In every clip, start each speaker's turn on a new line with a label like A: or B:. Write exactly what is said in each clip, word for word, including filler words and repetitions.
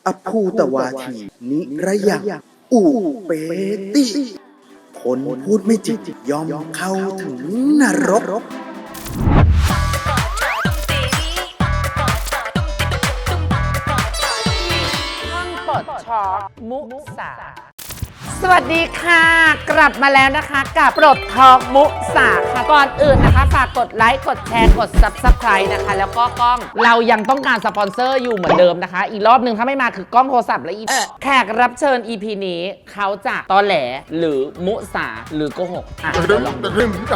A: อภูตวาทีนิระยะอุเปติคนพูดไม่จริงยอมเข้าถึงนรก
B: ห้องปลดช็อกมุสาสวัสดีค่ะกลับมาแล้วนะคะกับปลดทอกมุสาค่ะก่อนอื่นนะคะฝากกดไลค์กดแชร์กด ซับสไครบ์ นะคะแล้วก็กล้องเรายังต้องการสปอนเซอร์อยู่เหมือนเดิมนะคะอีกรอบหนึ่งถ้าไม่มาคือกล้องโทรศัพท์และอีแขกรับเชิญ อี พี นี้เขาจะตอแหลหรือมุสาหรือโกหกอ่ะเดี๋ยวลองดู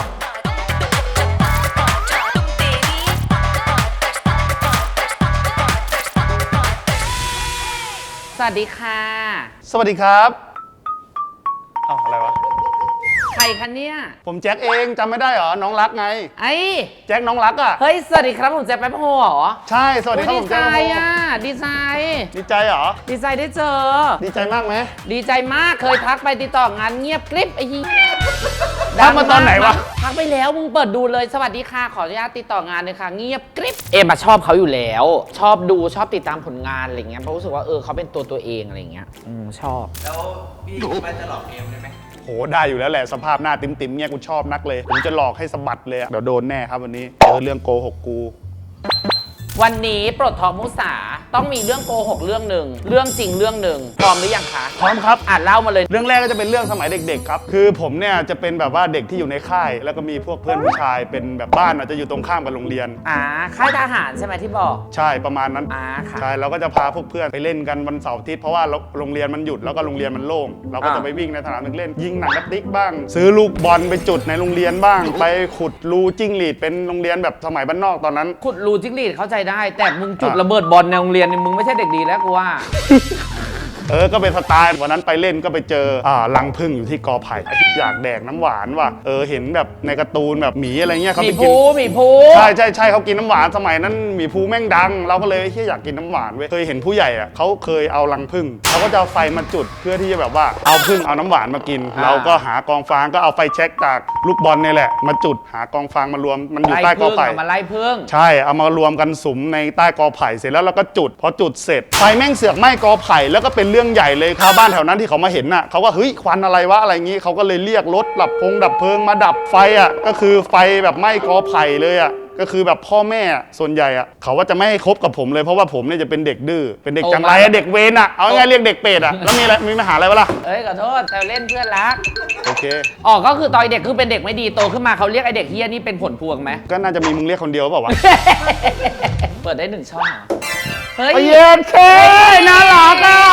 B: สวัสดีค่ะ
C: สวัสดีครับอ้าวอะไรวะ
B: ใครคะเนี่ย
C: ผมแจ็คเองจำไม่ได้เหรอน้องรักไง
B: ไอ้
C: แจ็คน้องรักอ่ะ
B: เฮ้ยสวัสดีครับผมแจ็คแป๊บโฮเหรอ
C: ใช่สวัสดีครับผมแจ็คแป๊บโฮ
B: ดีใจอ่ะดีใจ
C: ดีใจเหรอ
B: ดีใจได้เจอ
C: ดีใจมากไหม
B: ดีใจมากเคยทักไปติดต่องานเงียบกริบไอ้ยี่
C: ทักมาตอนไหนวะ
B: ทักไปแล้วมึงเปิดดูเลยสวัสดีค่ะขออนุญาตติดต่องานเลยค่ะเงียบกริบเอ็มมาชอบเขาอยู่แล้วชอบดูชอบติดตามผลงานอะไรเงี้ยเพราะรู้สึกว่าเออเขาเป็นตัวตัวเองอะไรเงี้ยอืมชอบ
D: แล้วพี่ไม่จะหลอกเอ็มได้ไหม
C: โหได้อยู่แล้วแหละสภาพหน้าติ๋มๆเนี่ยกูชอบนักเลยผมจะหลอกให้สะบัดเลยเดี๋ยวโดนแน่ครับวันนี้เจอเรื่องโกหกกู
B: วันนี้ปลดทอกมุสาต้องมีเรื่องโกหกเรื่องหนึ่งเรื่องจริงเรื่องหนึ่งพร้อมหรือยังคะ
C: พร้อมครับ
B: อ่านเล่ามาเลย
C: เรื่องแรกก็จะเป็นเรื่องสมัยเด็กๆครับคือผมเนี่ยจะเป็นแบบว่าเด็กที่อยู่ในค่ายแล้วก็มีพวกเพื่อนผู้ชายเป็นแบบบ้านอาจจะอยู่ตรงข้ามกับโรงเรียน
B: อ่าค่ายทหารใช่ไหมที่บอก
C: ใช่ประมาณนั้น
B: อ่าค่ะ
C: ใช่เราก็จะพาพวกเพื่อนไปเล่นกันวันเสาร์อาทิตย์เพราะว่าโรงเรียนมันหยุดแล้วก็โรงเรียนมันโล่งเราก็จะไปวิ่งในสนามเล่นยิงหนังกระติกบ้างซื้อลูกบอลไปจุดในโรงเรียนบ้างไปขุดรูจิ้งหรีดเป็นโรงเรียนแบบสมัยบ้านนอกตอนนั้น
B: ขุดรูจิ้งหรีดเข้าใจได้แต่มึงจุดระเบิดบอลในโรงเรียนนี่มึงไม่ใช่เด็กดีแล้วกูว่า
C: เออก็เป็นสไตล์วันนั้นไปเล่นก็ไปเจออ่ารังผึ้งอยู่ที่กอไผ่อยากแดกน้ำหวานว่ะเออเห็นแบบในการ์ตูนแบบหมีอะไรเงี้ยเขาไปกิน
B: หมีภู
C: ใช่ใช่ใช่เขากินน้ำหวานสมัยนั้นหมีภูแม่งดังเราก็เลยเฮ้ยอยากกินน้ำหวานเว้ยเคยเห็นผู้ใหญ่อ่ะเขาเคยเอารังผึ้งเขาก็จะเอาไฟมาจุดเพื่อที่จะแบบว่าเอาผึ้งเอาน้ำหวานมากินเราก็หากองฟางก็เอาไฟเช็คจากลูกบอลนี่แหละมาจุดหากองฟางมารวมมันอยู่ใต้กอไผ่
B: มาไล่ผึ้ง
C: ใช่เอามารวมกันสุมในใต้กอไผ่เสร็จแล้วเราก็จุดพอจุดเสร็จไฟแม่งเสือกไหม้กอไผ่แล้วก็เป็นเรื่องใหญ่เลยครับบ้านแถวนั้นที่เขามาเห็นน่ะเขาก็เฮ้ยควันอะไรวะอะไรงี้เขาก็เลยเรียกรถดับพงดับเพลิงมาดับไฟอ่ะก็คือไฟแบบไหม้กอไผ่เลยอ่ะก็คือแบบพ่อแม่ส่วนใหญ่อ่ะเขาว่าจะไม่ให้คบกับผมเลยเพราะว่าผมเนี่ยจะเป็นเด็กดื้อเป็นเด็กจังไรเด็กเวรอ่ะเอาง่ายเรียกเด็กเป็ดอ่ะแล้วมีอะไรมีปัญหาอะไรวะล่ะ
B: เอ้ยขอโทษแซวเล่นเพื่อนรัก
C: โอเค
B: อ๋อก็คือตอนเด็กคือเป็นเด็กไม่ดีโตขึ้นมาเขาเรียกไอเด็กเฮี้ยนี่เป็นผลพวงไหม
C: ก็น่าจะมีมึงเรียกคนเดียวเปล่าวะ
B: เปิดได้หนึ่งช่องเฮ้ย
C: เย็นเคน่ารักอ่ะ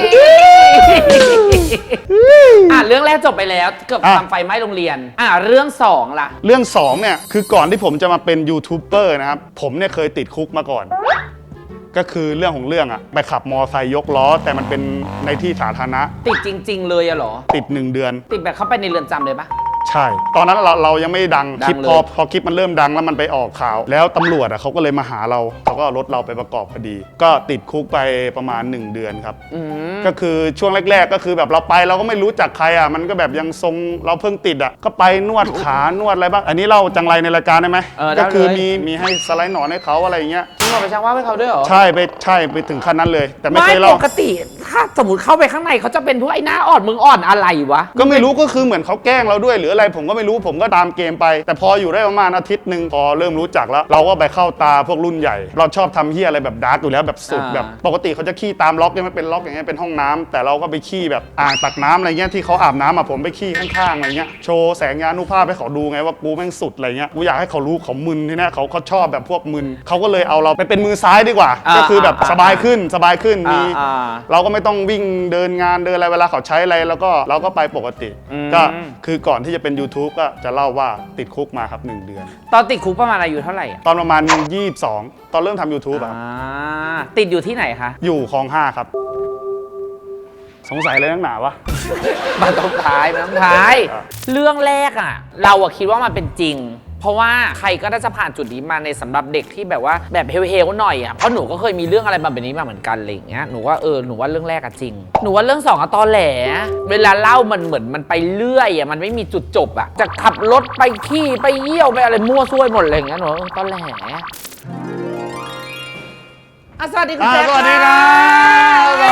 B: อ่ะเรื่องแรกจบไปแล้วเกือบทำไฟไหม้โรงเรียนอ่ะเรื่องสองล่ะ
C: เรื่องสองเนี่ยคือก่อนที่ผมจะมาเป็นยูทูบเบอร์นะครับผมเนี่ยเคยติดคุกมาก่อนก็คือเรื่องของเรื่องอะไปขับมอไซค์ยกล้อแต่มันเป็นในที่สาธารณะ
B: ติดจริงๆเลยอะหรอ
C: ติดหนึ่งเดือน
B: ติดแบบเข้าไปในเรือนจำเลยปะ
C: ใช่ตอนนั้นเราเรายังไม่ดังคลิปพอพอคลิปมันเริ่มดังแล้วมันไปออกข่าวแล้วตำรวจอ่ะเขาก็เลยมาหาเราเขาก็เอารถเราไปประกอบคดีก็ติดคุกไปประมาณหนึ่งเดือนครับก็คือช่วงแรกๆก็คือแบบเราไปเราก็ไม่รู้จักใครอ่ะมันก็แบบยังทรงเราเพิ่งติดอ่ะก็ไปนวดขานวดอะไรบ้างอันนี้เราจังไรในรายการได้ไหมก็คือมีมีให้สไลด์หนอนให้เขาอะไรอย่างเงี้ย
B: มึงเอาไปชักว่าให้เขาด้วยเหรอ
C: ใช่ไปใช่ไปถึงขั้นนั้นเลยแต่ไม่เคยเล่า
B: ปกติถ้าสมมติเข้าไปข้างในเขาจะเป็นพวกไอ้หน้าอ่อนมึงอ่อนอะไรวะ
C: ก็ไม่รู้ก็คือเหมือนเขาแกล้งเราด้วยหรืออะไรผมก็ไม่รู้ผมก็ตามเกมไปแต่พออยู่ได้ประมาณอาทิตย์หนึ่งพอเริ่มรู้จักแล้วเราก็ไปเข้าตาพวกรุ่นใหญ่เราชอบทำเหี้ยอะไรแบบดาร์กอยู่แล้วแบบสุดแบบปกติเขาจะขี้ตามล็อกยังไม่เป็นล็อกอย่างเงี้ยเป็นห้องน้ำแต่เราก็ไปขี้แบบอ่างตักน้ำอะไรเงี้ยที่เขาอาบน้ำอ่ะผมไปขี้ข้างๆอะไรเงี้ยโชว์แสงยานุภาพให้เขาดูไงว่ากูแม่งสุดอะไรเงี้ยกูอยากให้เขารู้เขามึนที่นี่เขาเขาชอบแบบพวกมึนเขาก็เลยเอาเราไปเป็นมือซ้ายดีกว่าก็คือแบบสบายขึ้นสบายขึ้นมีเราก็ไม่ต้องวิ่งเดินงานเดินอะไรเวลาเขาใช้อะไรแล้วก็เราก็ไปปกติก็คือก่อนที่จะเป็น YouTube ก็จะเล่าว่าติดคุกมาครับหนึ่งเดือน
B: ตอนติดคุกประมาณอายุเท่าไหร่
C: ตอนประมาณยี่สิบสองตอนเริ่มทำ YouTube อ่ะ
B: ติดอยู่ที่ไหนคะ
C: อยู่คลองห้าครับสงสัยอะไรนักหนาวะ
B: มาต้องท้ายมาต้องท้ายเรื่องแรกอ่ะเราอะคิดว่ามันเป็นจริงเพราะว่าใครก็ได้จะผ่านจุดนี้มาในสำหรับเด็กที่แบบว่าแบบเฮลๆหน่อยอ่ะเพราะหนูก็เคยมีเรื่องอะไรแบบนี้มาเหมือนกันอะไรอย่างเงี้ยหนูว่าเออหนูว่าเรื่องแรกอะจริงหนูว่าเรื่องสองอะตอแหลเวลาเล่ามันเหมือนมันไปเรื่อยอะมันไม่มีจุดจบอะจะขับรถไปขี้ไปเยี่ยวไปอะไรมั่วซั่วหมดอะไรอย่างเงี้ยหนูตอแหลสวัสดีคุณแจ๊ค
C: สวัสดีครับ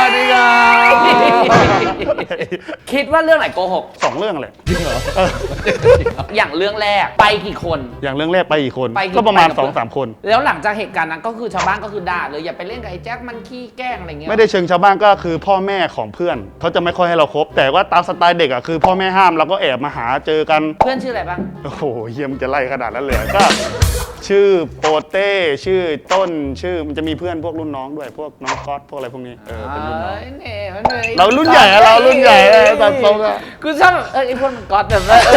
B: คิดว่าเรื่องไหนโกหก
C: สองเรื่องแหละ
B: อย่างเรื่องแรกไปกี่คน
C: อย่างเรื่องแรกไปอีกคน
B: ไปกี่
C: ก็ประมาณ
B: ไปกับ
C: สองสามคน
B: แล้วหลังจากเหตุการณ์นั้นก็คือชาวบ้านก็คือด่าเลยอย่าไปเล่นกับไอ้แจ็คมันขี้แกล้งอะไรเงี้ย
C: ไม่ได้เชิงชาวบ้านก็คือพ่อแม่ของเพื่อนเขาจะไม่ค่อยให้เราคบ แต่ว่าตามสไตล์เด็กอ่ะคือพ่อแม่ห้ามเราก็แอบมาหาเจอกัน
B: เพื่อนชื่ออะไรบ้าง
C: โอ้โหเฮียมนจะไล่ขนาดนั้นเลยเหรอก็ ชื่อโปเต้ชื่อต้นชื่อมันจะมีเพื่อนพวกรุ่นน้องด้วยพวกน้องก๊อตพวกอะไรพวกนี้เออเป็นรุ่นน้อง
B: เอ้ยเนี่ยมันเลย
C: เรารุ่นใหญ่อะเรารุ่นใหญ่อะตัดทรงอะ
B: กูชอบเออไอ้พวกมันก๊อตแบบว่าเอ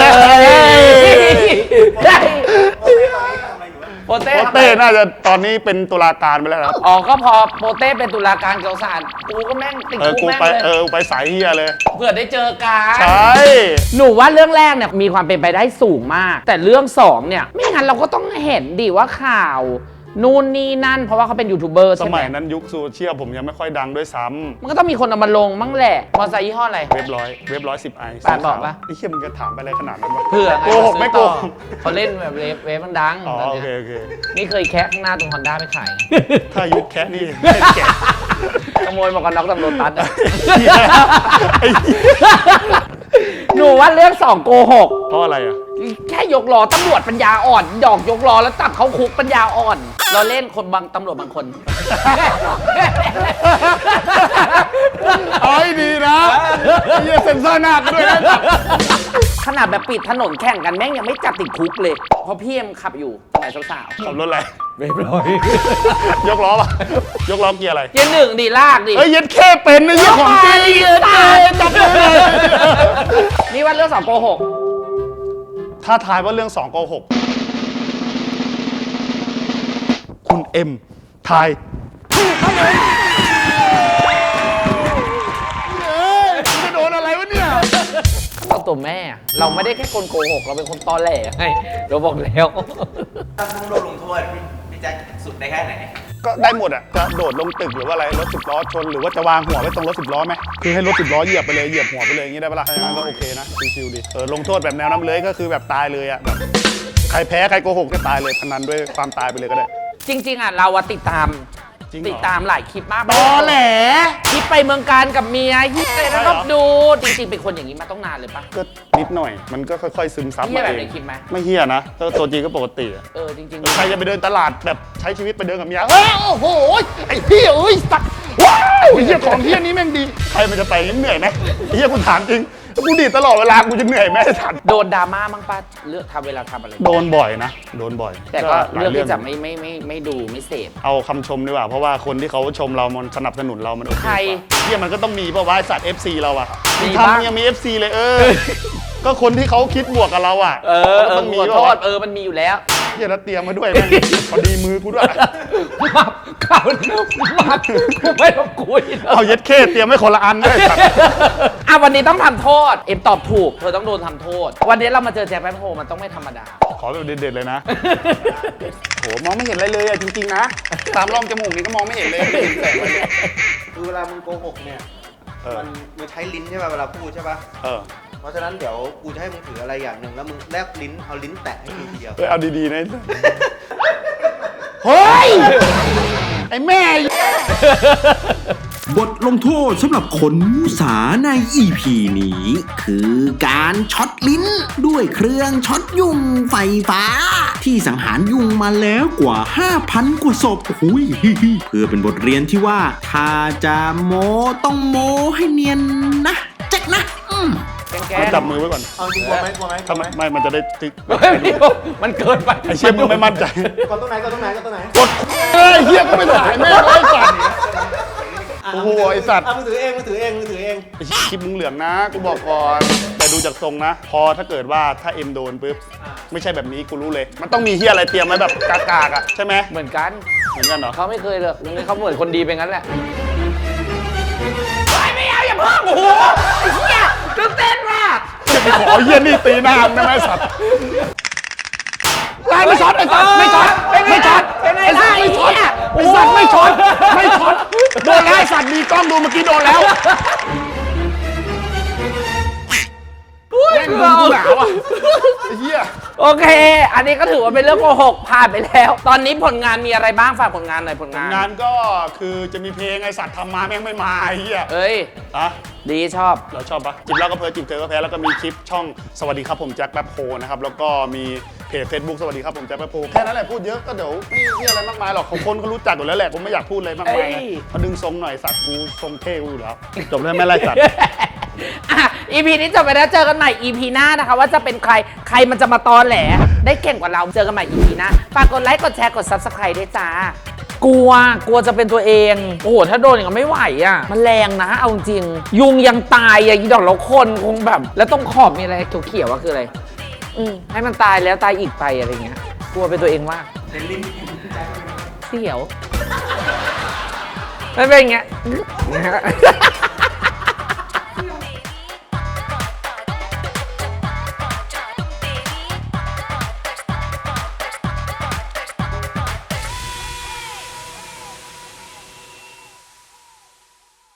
B: อได้โปเต้
C: โป
B: ทำไม
C: เต้น่าจะตอนนี้เป็นตุลาการไปแล้วครับ
B: อ๋อก็พอโปเต้เป็นตุลาการเกี่ยวสารกูก็แม่งติด
C: เออ
B: คุก
C: กู
B: แม่ง
C: ไป
B: เลย
C: เออไปสายเฮียเลย
B: เผื่อได้เจอกัน
C: ใช่
B: หนูว่าเรื่องแรกเนี่ยมีความเป็นไปได้สูงมาก แต่เรื่องสองเนี่ยไม่งั้นเราก็ต้องเห็นดิว่าข่าวนู่นนี่นั่นเพราะว่าเขาเป็นยูทูบเบอร์
C: ส
B: ใช่ไหม
C: มัยนั้นยุคโซเชียลผมยังไม่ค่อยดังด้วยซ้
B: มันก็ต้องมีคนเอามาลงมั้งแหละมอไซค์ยี่ห้ออะไร
C: ำเว็บร้อยเว็บร้อยสิบไอ
B: ปาดบอกปะ
C: ไอ้เฮียมึงจะถามไปอะไรขนาดนั้นวะ
B: เพื่อไง
C: โกหกไม่โกหก
B: เขาเล่นแบบเวฟเวฟมันดัง
C: อ๋อ
B: ตอน
C: โอ
B: เนี้ย
C: เคโอเค
B: นี่เคยแคะข้างหน้าตรงฮอนด้าไปขาย
C: ถ้ายุคแค่นี้ไม่แก่
B: ขโมยหมวกกันน็อกตำรวจตัดอะ
C: เหี้ยไอ้เหี้ย
B: หนูว่าเรื่องสองโกหก
C: เพราะอะไรอ่ะ
B: แค่ยกล้อตำรวจปัญญาอ่อนดอกยกล้อแล้วจับเขาคุกปัญญาอ่อน เราเล่นคนบางตำรวจบางคน
C: เอาให้ดีนะไอ้เหี้ยเซ็นเซอร์หน้ากันด้วยนะ
B: ขนาดแบบปิดถนนแข่งกันแม่งยังไม่จับติดคุกเลย เพราะพี่เอ็มขับอยู่สมัยสาว
C: ขับรถอะไร
B: ๆเรียบร้อย
C: ยกล้อป่ะยกล้อเกียร์อะไร
B: เกียร์หนึ่งดีลากดิ
C: เอ้ยเย็ดแค่เป็นนะเหี้ยของจริง
B: เกียร์
C: ตายจับเลย
B: นี่ว่าเรื่องสองโกหก
C: ถ้าทายว่าเรื่องสองโกหกคุณเอ็มทายเอ้ยจะโดนอะไรวะเนี่ย
B: เราตัวแม่ เราไม่ได้แค่คนโกหก เราเป็นคนตอแหลไงเราบอกแล้ว
D: ถ้าต้องโดนลงโทษพี่พี่แจ็คสุดได้แค่ไหน
C: ก็ได้หมดอ่ะ จะโดดลงตึกหรือว่าอะไร รถสิบล้อชนหรือว่าจะวางหัวไว้ตรงรถสิบล้อไหมคือให้รถสิบล้อเหยียบไปเลย เหยียบหัวไปเลยอย่างนี้ได้ปะล่ะถ้าอย่างนั้นก็โอเคนะ ชิวๆดี เออ ลงโทษแบบแนวน้ำเลยก็คือแบบตายเลยอ่ะแบบใครแพ้ใครโกหกก็ตายเลยพนันด้วยความตายไปเลยก็ได้
B: จริง ๆอ่ะเราอะติดตาม
C: จริงเหรอ
B: ติดตามหลายคลิปมาก
C: ตอแหล
B: คลิปไปเมืองการกับเมียฮิตเลยแล้วก็ดู จริง ๆ เป็นคนอย่างนี้มาต้องนานเลยปะ
C: ก็นิดหน่อย มันก็ค่อยๆซึมซับ
B: เหี้
C: มาย
B: แบบ
C: เอ
B: ใน
C: ง
B: คลิปไหม
C: ไม่เฮี้ยนะก็ตัวจริงก็ปกติอะ
B: เออจริง
C: ใครจะไปเดินตลาดแบบใช้ชีวิตไปเดินกับเมียเฮ้ยโอ้โหไอ้พี่เอ้ยสัตว์ว้าวไอ้เฮี้ยของเฮี้ยนี้แม่งดีใครมันจะไปเหนื่อยไหมไอ้เฮี้ยกูถามจริงถ้ากูดีดตลอดเวลากูจะเหนื่อยไหมไอ้สัตว์
B: ๆ โดนดราม่ามั้งป้าเลือกทำเวลาทำอะไร
C: โดนบ่อยนะโดนบ่อย
B: แต่ก็
C: หลาย
B: เลือกที่จะ
C: ง
B: ไม่ไม่ไม่ไม่ดูไม่เสพ
C: เอาคำชมดีกว่าเพราะว่าคนที่เขาชมเรามันสนับสนุนเรามันโอเค
B: ใคร
C: กว่าเฮี้ยมันก็ต้องมีเพราะว่าไอ้สัตว์ เอฟ ซี เราอะ
B: มี
C: มึง
B: บ้าง
C: ทำยังมี เอฟ ซี เลยเออ ก็คนที่เขาคิดบวกกับเราอะ
B: เออเออ
C: ต้องมี
B: ขอ
C: แบ
B: โท
C: บ
B: ษ
C: ว่า
B: เออมันมีอยู่แล้ว
C: เฮี้ยแล้วเตรียมมาด้วยแม่งพอดีมือกูด้วย
B: มับข่าวนี้มับกูไม่ต้องคุยแล้ว
C: เอาเย็ดเข้เตรียมไว้คนละอันด้วยสัตว์
B: อ่ะวันนี้ต้องทำโทษ เอ็มตอบถูก เธอต้องโดนทำโทษ วันนี้เรามาเจอแจ็คแป๊บโฮมันต้องไม่ธรรมดา
C: ขอแบบเด็ดๆเลยนะ โหมองไม่เห็นอะไรเลยอะจริงๆนะ ตามร่องจมูกนี่ก็มองไม่เห็นเลยไม่เห็นแสงเลย
D: คือเวลามึงโกหกเนี่ย
C: เออ
D: มันมึงใช้ลิ้นใช่ป่ะเวลาพูดใช่ป่ะ
C: เออ
D: เพราะฉะนั้นเดี๋ยวกูจะให้มึงถืออะไรอย่างหนึ่งแล้วมึงแลบลิ้นเอาลิ้นแตะให้กูทีเดียว
C: เออเอาดีๆนะ เฮ้ย ไอ้แม่
A: บทลงโทษสำหรับคนมุสาใน อี พี นี้ คือการช็อตลิ้นด้วยเครื่องช็อตยุงไฟฟ้า ที่สังหารยุงมาแล้วกว่า ห้าพัน กว่าศพหุยเพื่อเป็นบทเรียนที่ว่า ถ้าจะโมต้องโมให้เนียนนะแจ็คนะอืม
B: แก
C: มาจับมือไว้ก่อน
D: เอาจริงกลัวไหมกลัวไหม
C: ทำไมไม่ มันจะได้ตึก
B: มันเกินไป
C: ไอ้เชี่ยมึงไม่มั่นใจ
D: ก่อนตรงไหนก่อนตรงไหนก่อนตรงไหน
C: กดเฮ้ยเฮียก็ไม่ถ่ายแม่งไอ้สัตว์ โอ้โหไอ้สัตว์
D: อ่ะมึงถือเองมึงถือเองมึงถือเอง
C: ไอ้คลิปมึงเหลืองนะ กูบอกก่อน แต่ดูจากทรงนะ พอถ้าเกิดว่าถ้าเอ็มโดนปุ๊บ ไม่ใช่แบบนี้กูรู้เลย มันต้องมีเฮียอะไรเตรียมไว้แบบกากๆอะใช่ไหม
B: เหมือนกัน
C: เหมือนกันเหรอ
B: เขาไม่เคยเลยเขาเหมือนคนดีไปงั้นแหละไม่ไม่เอาอย่าเพิ่งโอ้โหไอ้เหี้ยตื่นเต้นมาก
C: จะไปขอเฮียนี่ตีหน้ามึงได้ไหมสัตว์ไล่ไม่ช็อตไอ้สัตว์ไม่ช็อตไม่ช็อต
B: เป็นไง
C: ไอ้สั
B: ล่ะ
C: ตว์
B: ไอ้
C: ไม่ช็อ
B: เหี้
C: ต
B: ย
C: ไอ้สัตว์ไม่ช็อตไม่ช็อตโดนแล้วไอ้สัตว์มีกล้องดูเมื่อกี้โดนแล้ว
B: เ
C: งมึงกูหนาวอ่ะไอ้เหี้ย
B: โอเค อันนี้ก็ถือว่าเป็นเรื่องโกหกผ่านไปแล้ว ตอนนี้ผลงานมีอะไรบ้างฝากผลงานหน่อยผลงาน
C: งานก็คือจะมีเพลงไอสัตว์ทำมาแม่งไม่มาไอ้เหี้ย
B: เอ้ย
C: อะ
B: ดีชอบ
C: เราชอบปะจิบแล้วก็เพอจิบเธอก็แพ้แล้วก็มีคลิปช่องสวัสดีครับผมแจ็คแป๊บโพนะครับแล้วก็มีเพจ Facebook สวัสดีครับผมแจ็คแป๊บโพแค่นั้นแหละพูดเยอะก็เดี๋ยวไม่มีอะไรมากมายหรอกของคนเขารู้จักอยู่แล้วแหละผมไม่อยากพูดอะไรมากมายไง
B: เอ้ย
C: มาดึงทรงหน่อยสัตว์กูทรงเท่กูอยู่แล้วจบแล้วไม่ไล่สัตว์
B: อ่ะ อี พี นี้จบไปแล้วเจอกันใหม่ อี พี หน้านะคะ ว่าจะเป็นใครใครมันจะมาตอแหลได้เก่งกว่าเราเจอกันใหม่ อี พี หน้าฝากกดไลค์กดแชร์กด ซับสไครบ์ ด้วยจ้ากลัวกลัวจะเป็นตัวเองโอ้โหถ้าโดนอย่างนั้นไม่ไหวอ่ะมันแรงนะเอาจริงยุงยังตายอ่ะอีดอกแล้วคนคงแบบ แล้วต้องขอบมีอะไรเขียวๆว่าคืออะไรอืมให้มันตายแล้วตายอีกไปอะไรเงี้ยกลัวเป็นตัวเองมากเสียวมันเป็นอย่างเงี้ย